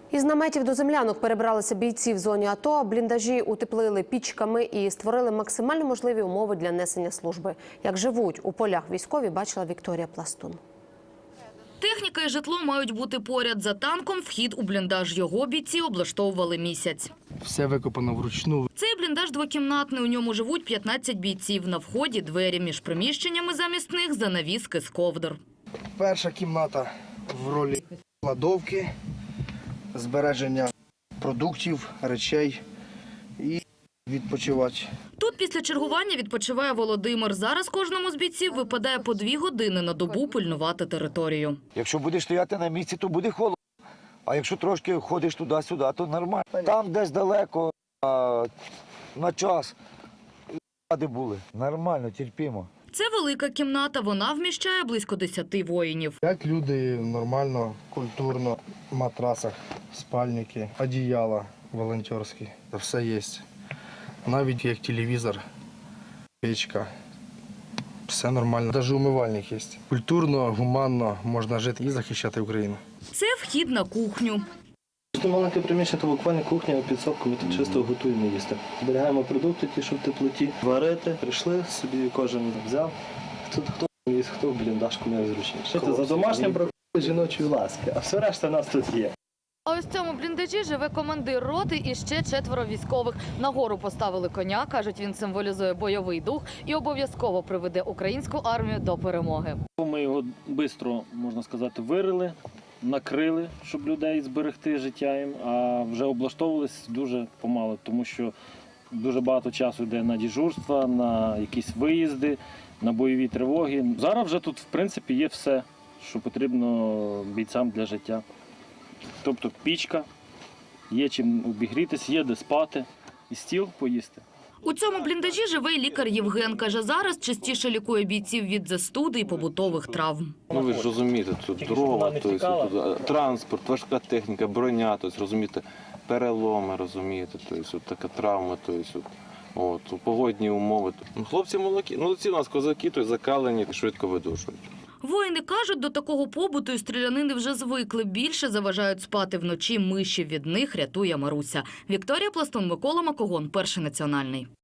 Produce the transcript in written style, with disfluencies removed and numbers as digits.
Із наметів до землянок перебралися бійці в зоні АТО, бліндажі утеплили пічками і створили максимально можливі умови для несення служби. Як живуть у полях військові, бачила Вікторія Пластун. Техніка і житло мають бути поряд. За танком вхід у бліндаж його бійці облаштовували місяць. Все викопано вручну. Цей бліндаж двокімнатний, у ньому живуть 15 бійців. На вході двері між приміщеннями, замість них занавіски з ковдр. Перша кімната в ролі кладовки, збереження продуктів, речей і відпочивати. Тут після чергування відпочиває Володимир. Зараз кожному з бійців випадає по 2 години на добу пильнувати територію. Якщо будеш стояти на місці, то буде холодно. А якщо трошки ходиш туди-сюди, то нормально. Там десь далеко, на час, де були. Нормально, терпімо. Це велика кімната, вона вміщає близько 10 воїнів. Як люди нормально, культурно, в матрасах, спальники, одіяла волонтерські. Все є. Навіть як телевізор, печка. Все нормально. Навіть умивальник є. Культурно, гуманно можна жити і захищати Україну. Це вхід на кухню. Маленьке приміщення, то буквально кухня, підсобку, ми тут чисто готуємо їсти. Зберігаємо продукти, ті, що в теплоті. Варити, прийшли, собі кожен взяв. Хто їсть, хто в бліндажку найзручніше. За домашнім бракує жіночої ласки, а все решта у нас тут є. А ось в цьому бліндажі живе командир роти і ще 4 військових. Нагору поставили коня, кажуть, він символізує бойовий дух і обов'язково приведе українську армію до перемоги. Ми його швидко, можна сказати, вирили, накрили, щоб людей зберегти життя їм, а вже облаштовувались дуже помало, тому що дуже багато часу йде на дежурства, на якісь виїзди, на бойові тривоги. Зараз вже тут, в принципі, є все, що потрібно бійцям для життя. Тобто пічка, є чим обігрітися, є де спати і стіл поїсти. У цьому бліндажі живе й лікар Євген. Каже, зараз частіше лікує бійців від застуди і побутових травм. Ну ви ж розумієте, тут дрова, тут транспорт, важка техніка, броня, розумієте, переломи, розумієте, така травма, погодні умови. Хлопці молодці у нас козаки, закалені, швидко видужують. Воїни кажуть, до такого побуту і стрілянини вже звикли. Більше заважають спати вночі миші. Від них рятує Маруся. Вікторія Пластун, Микола Макогон, Перший національний.